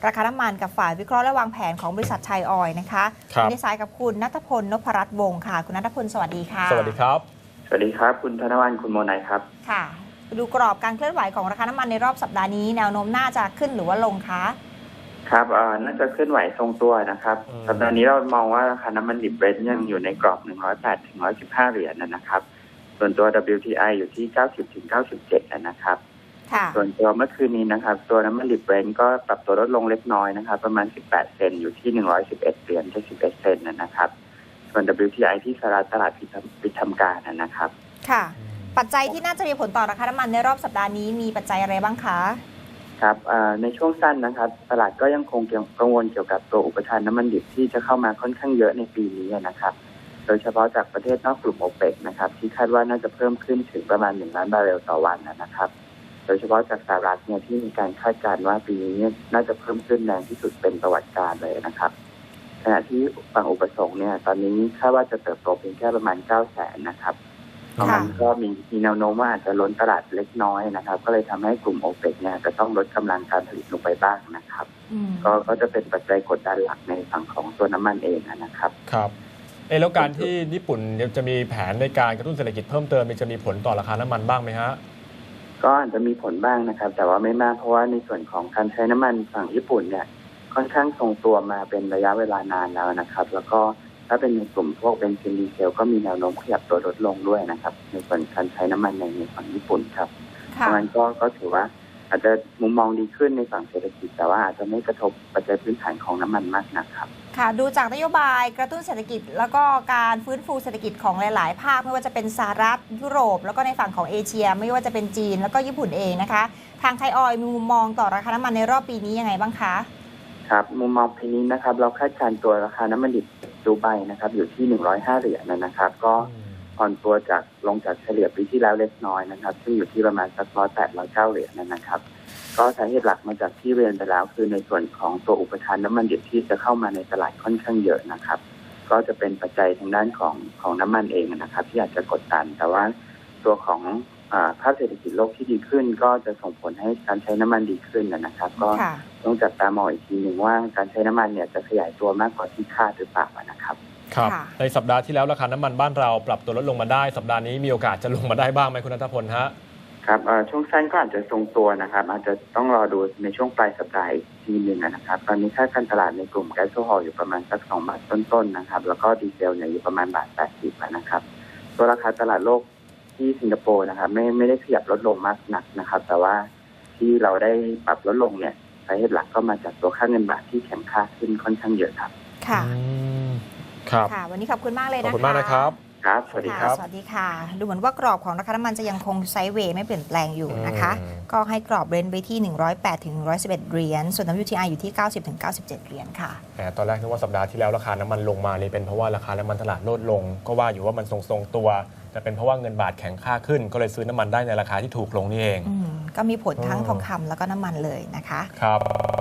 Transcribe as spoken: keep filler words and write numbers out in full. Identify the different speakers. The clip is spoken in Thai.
Speaker 1: ราคาน้ำมันกับฝ่ายวิเคราะห์และวางแผนของบริษัทชัยออยล์นะคะในสายกับคุณณัฐพล นพรัตน์วงศ์ค่ะคุณณัฐพลสวัสดีค่ะ
Speaker 2: สวัสดีครับ
Speaker 3: สวัสดีครับคุณธนวัลย์คุณโมนัยครับ
Speaker 1: ค่ะดูกรอบการเคลื่อนไหวของราคาน้ำมันในรอบสัปดาห์นี้แนวโน้มน่าจะขึ้นหรือว่าลงคะ
Speaker 3: ครับเอ่อน่าจะเคลื่อนไหวทรงตัวนะครับสัปดาห์นี้เรามองว่าราคาน้ำมันดิบเบรนท์ยังอยู่ในกรอบหนึ่งร้อยแปดถึงหนึ่งร้อยสิบห้าเหรียญนะครับส่วนตัว ดับเบิลยู ที ไอ อยู่ที่เก้าสิบถึงเก้าสิบเจ็ดนะครับส่วนตัวเมื่อคืนนี้นะครับตัวน้ำมันดิบเบรนท์ก็ปรับตัวลดลงเล็กน้อยนะครับประมาณสิบแปดเซนต์อยู่ที่หนึ่งร้อยสิบเอ็ดเหรียญเจ็ดสิบเอ็ดเซนต์นะครับส่วน ดับเบิลยู ที ไอ ที่สหรัฐตลาดปิดทำการนะครับ
Speaker 1: ค่ะปัจจัยที่น่าจะมีผลต่อราคาน้ำมันในรอบสัปดาห์นี้มีปัจจัยอะไรบ้างคะ
Speaker 3: ครับในช่วงสั้นนะครับตลาดก็ยังคงกังวลเกี่ยวกับตัวอุปทานน้ำมันดิบที่จะเข้ามาค่อนข้างเยอะในปีนี้นะครับโดยเฉพาะจากประเทศนอกกลุ่มโอเปกนะครับที่คาดว่าน่าจะเพิ่มขึ้นถึงประมาณหนึ่งล้านบาร์เรลต่อวันนะครับโดยเฉพาะจากสหรัฐเนี่ยที่มีการคาดการณ์ว่าปีนี้น่าจะเพิ่มขึ้นแรงที่สุดเป็นประวัติการเลยนะครับขณะที่ฝั่งอุปสงค์เนี่ยตอนนี้คาดว่าจะเติบโตเพียงแค่ประมาณเก้าแสนนะครับมันก็มีมีแนวโน้มว่าอาจจะล้นตลาดเล็กน้อยนะครับก็เลยทำให้กลุ่มโอเปกเนี่ยจะต้องลดกำลังการผลิตลงไปบ้างนะครับก็ก็จะเป็นปัจจัยกดดันหลักในฝั่งของตัวน้ำมันเองนะครับ
Speaker 2: ครับเออแล้วการที่ญี่ปุ่นจะมีแผนในการกระตุ้นเศรษฐกิจเพิ่มเติมมันจะมีผลต่อราคาน้ำมันบ้างไหมฮะ
Speaker 3: ก็อาจจะมีผลบ้างนะครับแต่ว่าไม่มากเพราะว่าในส่วนของการใช้น้ำมันฝั่งญี่ปุ่นเนี่ยค่อนข้างทรงตัวมาเป็นระยะเวลานานแล้วนะครับแล้วก็ถ้าเป็นในกลุ่มพวกเบนซินดีเซลก็มีแนวโน้มขยับตัวลดลงด้วยนะครับในส่วนการใช้น้ำมันในในฝั่งญี่ปุ่นครับเพราะงั้นก็ก็ถือว่าอาจจะมุมมองดีขึ้นในฝั่งเศรษฐกิจแต่ว่าอาจจะไม่กระทบปัจจัยพื้นฐานของน้ำมันมากนักครับ
Speaker 1: ค่ะดูจากนโยบายกระตุ้นเศรษฐกิจแล้วก็การฟื้นฟูเศรษฐกิจของหลายๆภาคไม่ว่าจะเป็นสหรัฐยุโรปแล้วก็ในฝั่งของเอเชียไม่ว่าจะเป็นจีนแล้วก็ญี่ปุ่นเองนะคะทางไทยออยล์มีมุมมองต่อราคาน้ำมันในรอบปีนี้ยังไงบ้างคะ
Speaker 3: ครับมุมมองปีนี้นะครับเราคาดการณ์ตัวราคาน้ำมันดิบดูไบนะครับอยู่ที่หนึ่งร้อยห้าเหรียญนะครับก็อ่อนตัวจากลงจากเฉลี่ยปีที่แล้วเล็กน้อยนะครับซึ่งอยู่ที่ประมาณสักร้อยแปดร้อยเก้าเหรียญนะครับก็สาเหตุหลักมาจากที่เรียนไปแล้วคือในส่วนของตัวอุปทานน้ำมันดิบที่จะเข้ามาในตลาดค่อนข้างเยอะนะครับก็จะเป็นปัจจัยทางด้านของของน้ำมันเองนะครับที่อาจจะกดดันแต่ว่าตัวของภาพเศรษฐกิจโลกที่ดีขึ้นก็จะส่งผลให้การใช้น้ำมันดีขึ้นนะครับก็ต้องจับตามองอีกทีหนึ่งว่าการใช้น้ำมันเนี่ยจะขยายตัวมากกว่าที่คาดหรือเปล่านะครับ
Speaker 2: ครับในสัปดาห์ที่แล้วราคาน้ำมันบ้านเราปรับตัวลดลงมาได้สัปดาห์นี้มีโอกาสจะลงมาได้บ้างไหมคุณณัฐพลฮะ
Speaker 3: ครับช่วงสั้นก็อาจจะทรงตัวนะครับอาจจะต้องรอดูในช่วงปลายสัปดาห์อีกทีหนึ่งนะครับตอนนี้ค่าการตลาดในกลุ่มแก๊สโซฮอลอยู่ประมาณสักสองบาทต้นๆนะครับแล้วก็ดีเซลเนี่ยอยู่ประมาณบาทแปดสิบนะครับตัวราคาตลาดโลกที่สิงคโปร์นะครับไม่ไม่ได้ขยับลดลงมากนักนะครับแต่ว่าที่เราได้ปรับลดลงเนี่ยสาเหตุหลักก็มาจากตัวค่าเงินบาทที่แข็งค่าขึ้นค่อนข้างเยอะครับ
Speaker 1: ค่ะ
Speaker 2: ครับ
Speaker 1: ค่ะวันนี้ขอบคุณมากเลยนะคะ
Speaker 2: ขอบคุณมากนะครับ
Speaker 3: ครับสวัสดีครับ
Speaker 1: สวัสดีค่ะดูเหมือนว่ากรอบของราคาน้ำมันจะยังคงไซด์เวย์ไม่เปลี่ยนแปลงอยู่นะคะก็ให้กรอบเรนจ์ไปที่หนึ่งร้อยแปดถึงหนึ่งร้อยสิบเอ็ดเหรียญส่วน ดับเบิลยู ที ไอ อยู่ที่เก้าสิบถึงเก้าสิบเจ็ดเหรียญค่ะ
Speaker 2: ตอนแรกนึกว่าสัปดาห์ที่แล้วราคาน้ำมันลงมานี่เป็นเพราะว่าราคาน้ำมันตลาดลดลงก็ว่าอยู่ว่ามันทรงๆตัวแต่เป็นเพราะว่าเงินบาทแข็งค่าขึ้นก็เลยซื้อน้ำมันได้ในราคาที่ถูกลงนี่เอง
Speaker 1: ก็มีผลทั้งทองคำแล้วก็น้ำมันเลยนะคะ
Speaker 2: ครับ